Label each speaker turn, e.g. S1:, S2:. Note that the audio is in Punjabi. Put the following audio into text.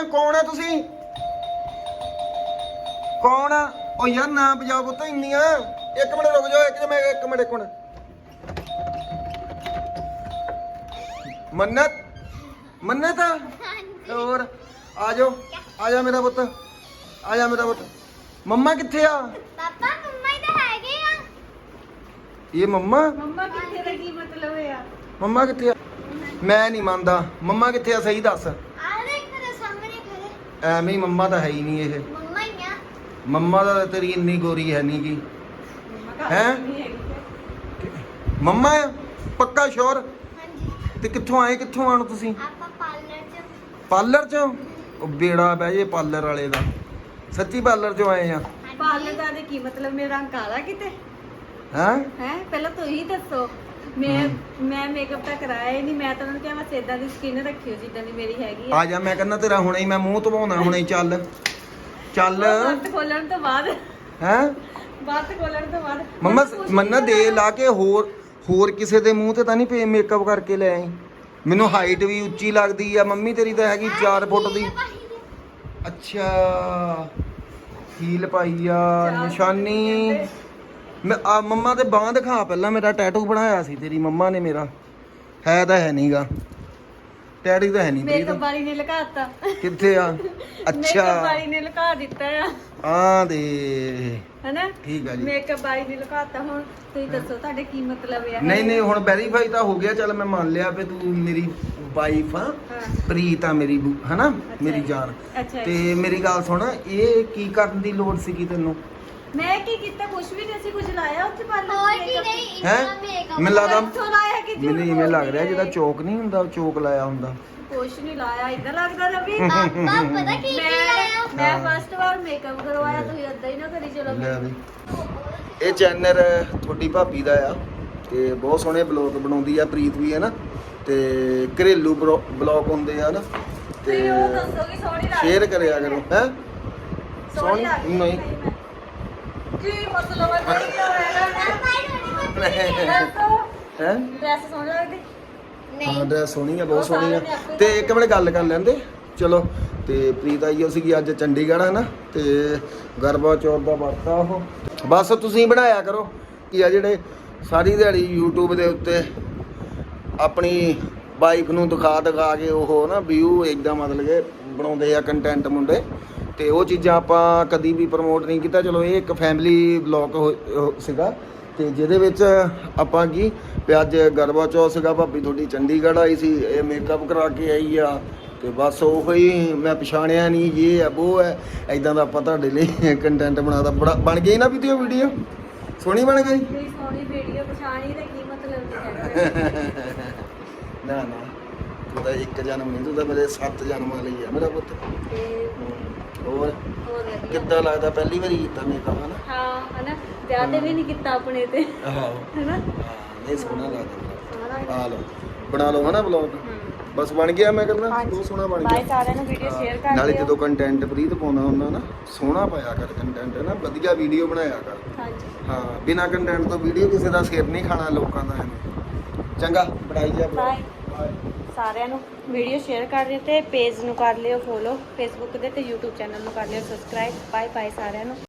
S1: ਕੌਣ ਆ ਤੁਸੀਂ? ਕੌਣ ਆ? ਉਹ ਯਾਰ ਨਾ ਵਜਾਓ ਪੁੱਤ ਇੰਨੀਆਂ। ਇੱਕ ਮਿੰਟ ਰੁਕ ਜਾਓ, ਇੱਕ ਮਿੰਟ। ਮੰਨਤ ਹੋਰ ਆ ਜਾ ਮੇਰਾ ਪੁੱਤ, ਮੰਮਾ ਕਿੱਥੇ ਆ?
S2: ਪਾਪਾ ਮੰਮਾ ਹੀ ਤਾਂ ਹੈਗੇ ਆ।
S1: ਇਹ ਮੰਮਾ
S3: ਕਿੱਥੇ ਦਾ ਕੀ ਮਤਲਬ ਆ?
S1: ਮੰਮਾ ਕਿੱਥੇ ਆ? ਮੈਂ ਨਹੀਂ ਮੰਨਦਾ। ਮੰਮਾ ਕਿੱਥੇ ਆ ਸਹੀ ਦੱਸ।
S2: ਆ ਦੇਖ ਤੇਰੇ ਸਾਹਮਣੇ ਖੜੇ।
S1: ਐਵੇਂ ਹੀ ਮੰਮਾ ਤਾਂ ਹੈ ਹੀ ਨਹੀਂ ਇਹ।
S2: ਮੰਮਾ ਹੀ ਆ।
S1: ਮੰਮਾ ਦਾ ਤੇਰੀ ਇੰਨੀ ਗੋਰੀ ਹੈ ਨਹੀਂ ਗੀ। ਹੈਂ? ਮੰਮਾ ਆ ਪੱਕਾ ਸ਼ੋਰ?
S2: ਹਾਂਜੀ
S1: ਤੇ ਕਿੱਥੋਂ ਆਣ ਤੁਸੀਂ?
S2: ਆਪਾਂ
S1: ਪਾਰਲਰ ਚੋਂ? ਉਹ ਬੇੜਾ ਬਹਿ ਜੇ ਪਾਰਲਰ ਵਾਲੇ ਦਾ। ਸੱਚੀ ਪਾਰਲਰ ਚੋਂ ਆਏ ਆ?
S3: ਪਾਰਲਰ ਦਾ ਦੇ ਕੀ ਮਤਲਬ? ਮੇਰਾ ਰੰਗ ਕਾਲਾ ਕਿਤੇ
S1: ਹੈਂ?
S3: ਹੈ? ਪਹਿਲਾਂ ਤੁਸੀਂ ਦੱਸੋ। ਮੈਂ ਮੇਕਅਪ ਤਾਂ ਕਰਾਇਆ ਹੀ ਨਹੀਂ। ਮੈਂ ਤਾਂ ਉਹਨਾਂ ਨੂੰ ਕਿਹਾ ਬਸ ਏਦਾਂ ਦੀ ਸਕਿਨ ਰੱਖਿਓ ਜਿੱਦਾਂ ਦੀ ਮੇਰੀ ਹੈਗੀ
S1: ਆ ਜਾ, ਮੈਂ ਕਹਿੰਦਾ ਤੇਰਾ ਹੁਣੇ ਹੀ ਮੈਂ ਮੂੰਹ ਧਵਾਉਣਾ ਹੁਣੇ ਹੀ। ਚੱਲ
S3: ਬੰਦ ਖੋਲਣ ਤੋਂ ਬਾਅਦ
S1: ਹੈਂ?
S3: ਬੰਦ ਖੋਲਣ ਤੋਂ ਬਾਅਦ
S1: ਮੰਮਾ ਮੰਨਾ ਦੇ ਲਾ ਕੇ ਹੋਰ ਕਿਸੇ ਦੇ ਮੂੰਹ ਤੇ ਤਾਂ ਨਹੀਂ ਪੇ ਮੇਕਅਪ ਕਰਕੇ ਲੈ ਆਈ? ਮੈਨੂੰ ਹਾਈਟ ਵੀ ਉੱਚੀ ਲੱਗਦੀ ਆ। ਮੰਮੀ ਤੇਰੀ ਤਾਂ ਹੈਗੀ 4 ਫੁੱਟ ਦੀ। ਅੱਛਾ ਹੀਲ ਪਾਈ ਆ, ਨਿਸ਼ਾਨੀ। ਮੰਮਾ ਤੇ ਬਾਂਹ ਦਿਖਾ ਪਹਿਲਾਂ। ਮੇਰਾ ਟੈਟੂ ਬਣਾਇਆ ਸੀ ਤੇਰੀ ਮੰਮਾ ਨੇ। ਮੇਰਾ ਹੈ ਤਾਂ ਹੈ ਨਹੀਂਗਾ ਟੈਟੂ ਤਾਂ ਹੈ ਨਹੀਂ
S3: ਮੇਕਅਪ ਵਾਲੀ ਨੇ ਲਗਾਤਾ।
S1: ਕਿੱਥੇ ਆ?
S3: ਮੇਕਅਪ
S1: ਅੱਛਾ
S3: ਵਾਲੀ ਨੇ ਲਗਾ ਦਿੱਤਾ ਆ
S1: ਆ ਦੇ
S3: ਹੈਨਾ?
S1: ਠੀਕ ਆ ਜੀ।
S3: ਮੇਕਅਪ ਵਾਲੀ ਨੇ ਲਗਾਤਾ। ਹੁਣ ਤੁਸੀਂ ਦੱਸੋ ਤੁਹਾਡੇ ਕੀ ਮਤਲਬ ਆ?
S1: ਨਹੀਂ ਹੁਣ ਵੈਰੀਫਾਈ ਤਾਂ ਹੋ ਗਿਆ। ਚੱਲ ਮੈਂ ਮੰਨ ਲਿਆ ਵੀ ਤੂੰ ਮੇਰੀ ਵਾਈਫ ਆ। ਪ੍ਰੀਤ ਆ ਮੇਰੀ ਹਨਾ, ਮੇਰੀ ਜਾਨ।
S3: ਅੱਛਾ
S1: ਤੇ ਮੇਰੀ ਗੱਲ ਸੁਣ, ਇਹ ਕੀ ਕਰਨ ਦੀ ਲੋੜ ਸੀਗੀ ਤੈਨੂੰ?
S3: ਮੈਂ ਕੀ ਕੀਤਾ? ਕੁਝ ਵੀ ਨਹੀਂ। ਅਸੀਂ ਕੁਝ ਲਾਇਆ ਉੱਥੇ ਪਾਰਲਰ
S2: ਹੋਰ ਕੀ ਨਹੀਂ
S1: ਹੈਂ?
S2: ਇੰਨਾ ਮੇਕਅਪ।
S1: ਮੈਨੂੰ ਲੱਗਦਾ
S3: ਕਿੱਥੋਂ ਲਾਇਆ? ਕਿ
S1: ਮੈਨੂੰ ਇਵੇਂ ਲੱਗ ਰਿਹਾ ਜਿਹਦਾ ਚੋਕ ਨਹੀਂ ਹੁੰਦਾ, ਚੋਕ ਲਾਇਆ ਹੁੰਦਾ।
S3: ਕੁਛ ਨਹੀਂ ਲਾਇਆ। ਇਦਾਂ ਲੱਗਦਾ ਰਵੀ।
S2: ਪਾਪਾ ਪਤਾ ਕੀ ਲਾਇਆ?
S3: ਮੈਂ ਫਸਟ ਵਾਰ ਮੇਕਅਪ ਕਰਵਾਇਆ। ਤੁਸੀਂ ਏਦਾਂ ਹੀ ਨਾ ਕਰੀ ਚਲੋ।
S1: ਲੈ ਵੀ ਇਹ ਚੈਨਲ ਤੁਹਾਡੀ ਭਾਬੀ ਦਾ ਆ ਤੇ ਬਹੁਤ ਸੋਹਣੇ ਬਲੌਗ ਬਣਾਉਂਦੀ ਆ ਪ੍ਰੀਤ ਵੀ ਹੈ ਨਾ। ਤੇ ਘਰੇਲੂ ਬਲੌਗ ਹੁੰਦੇ ਆ ਨਾ ਤੇ
S3: ਤੁਸੀਂ ਉਹ ਦੱਸੋ ਕਿ ਸੋਹਣੀ ਲੱਗਦੀ
S1: ਸ਼ੇਅਰ ਕਰਿਆ ਕਰੋ। ਹੈ
S3: ਸੋਹਣੀ ਲੱਗਦੀ
S1: ਨਹੀਂ
S3: ਕੀ ਮਤਲਬ ਹੈ?
S1: ਹੈ
S3: ਡਰੈਸ ਸੋਹਣੀ ਲੱਗਦੀ?
S1: ਹਾਂ ਡਰੈਸ ਸੋਹਣੀ ਆ, ਬਹੁਤ ਸੋਹਣੀ ਆ। ਤੇ ਇੱਕ ਮਿੰਟ ਗੱਲ ਕਰ ਲੈਂਦੇ ਚਲੋ। ਤੇ ਪ੍ਰੀਤ ਆਈ ਹੋ ਸੀਗੀ ਅੱਜ ਚੰਡੀਗੜ੍ਹ ਹੈ ਨਾ। ਤੇ ਗਰਬਾ ਚੌਥ ਦਾ ਵਰਤ ਆ ਉਹ। ਬਸ ਤੁਸੀਂ ਬਣਾਇਆ ਕਰੋ ਕਿ ਆ ਜਿਹੜੇ ਸਾਰੀ ਦਿਹਾੜੀ YouTube ਦੇ ਉੱਤੇ ਆਪਣੀ ਵਾਈਫ ਨੂੰ ਦਿਖਾ ਕੇ ਉਹ ਨਾ ਵਿਊ ਇੱਦਾਂ ਮਤਲਬ ਕਿ ਬਣਾਉਂਦੇ ਆ ਕੰਟੈਂਟ ਮੁੰਡੇ। ਤੇ ਉਹ ਚੀਜ਼ਾਂ ਆਪਾਂ ਕਦੀ ਵੀ ਪ੍ਰਮੋਟ ਨਹੀਂ ਕੀਤਾ। ਚਲੋ ਇਹ ਇੱਕ ਫੈਮਿਲੀ ਵਲੌਗ ਸੀਗਾ ਤੇ ਜਿਹਦੇ ਵਿੱਚ ਆਪਾਂ ਕੀ ਵੀ ਅੱਜ ਗਰਬਾ ਚੌਥ ਸੀਗਾ। ਭਾਬੀ ਤੁਹਾਡੀ ਚੰਡੀਗੜ੍ਹ ਆਈ ਸੀ, ਇਹ ਮੇਕਅਪ ਕਰਾ ਕੇ ਆਈ ਆ। ਤੇ ਬਸ ਉਹ ਹੀ ਮੈਂ ਪਛਾਣਿਆ ਨਹੀਂ ਇਹ ਹੈ ਉਹ ਹੈ ਇਦਾਂ ਦਾ ਆਪਾਂ ਤੁਹਾਡੇ ਲਈ ਕੰਟੈਂਟ ਬਣਾਦਾ। ਬਣ ਗਈ ਨਾ ਵੀਡੀਓ ਸੋਹਣੀ ਬਣ ਗਈ।
S3: ਕੋਈ ਸੋਹਣੀ ਵੀਡੀਓ ਪਛਾਣੀ ਦਾ ਕੀ ਮਤਲਬ ਹੈ?
S1: ਨਾ ਤੂੰ ਤਾਂ ਇੱਕ ਜਨਮ ਨਹੀਂ, ਤੂੰ ਤਾਂ ਮੇਰੇ 7 ਜਨਮਾਂ ਲਈ ਆ ਮੇਰਾ ਪੁੱਤ। ਹੋਰ ਕਿੱਦਾਂ ਲੱਗਦਾ? ਪਹਿਲੀ ਵਾਰੀ ਕੀਤਾ ਮੇਕਅਪ ਹਨਾ?
S3: ਹਾਂ ਹਨਾ। ਵਿਆਹ ਤੇ ਵੀ ਨਹੀਂ ਕੀਤਾ ਆਪਣੇ ਤੇ
S1: ਆਹੋ
S3: ਹਨਾ।
S1: ਇਹ ਸੋਹਣਾ ਲੱਗਦਾ। ਆ ਲਓ ਬਣਾ ਲਓ ਹਨਾ ਵਲੌਗ। ਬਸ ਬਣ ਗਿਆ। ਮੈਂ ਕਹਿੰਦਾ ਬਹੁਤ ਸੋਹਣਾ ਬਣ ਗਿਆ।
S3: ਬਾਏ ਸਾਰਿਆਂ ਨੂੰ ਵੀਡੀਓ ਸ਼ੇਅਰ ਕਰ ਦਿਓ।
S1: ਨਾਲੇ ਜਦੋਂ ਕੰਟੈਂਟ ਪ੍ਰੀਤ ਪਾਉਣਾ ਹੁੰਦਾ ਨਾ ਸੋਹਣਾ ਪਾਇਆ ਕਰ ਕੰਟੈਂਟ ਨਾ, ਵਧੀਆ ਵੀਡੀਓ ਬਣਾਇਆ ਕਰ।
S3: ਹਾਂਜੀ
S1: ਹਾਂ ਬਿਨਾ ਕੰਟੈਂਟ ਤੋਂ ਵੀਡੀਓ ਕਿਸੇ ਦਾ ਸਿਰ ਨਹੀਂ ਖਾਣਾ ਲੋਕਾਂ ਦਾ ਐਵੇਂ। ਚੰਗਾ ਬਣਾਈ ਜਾ
S3: ਬਾਏ ਸਾਰਿਆਂ ਨੂੰ। ਵੀਡੀਓ ਸ਼ੇਅਰ ਕਰ ਦਿਓ ਤੇ ਪੇਜ ਨੂੰ ਕਰ ਲਿਓ ਫੋਲੋ, ਫੇਸਬੁੱਕ ਦੇ ਤੇ YouTube ਚੈਨਲ ਨੂੰ ਕਰ ਲਿਓ ਸਬਸਕ੍ਰਾਈਬ। ਬਾਏ ਸਾਰਿਆਂ ਨੂੰ।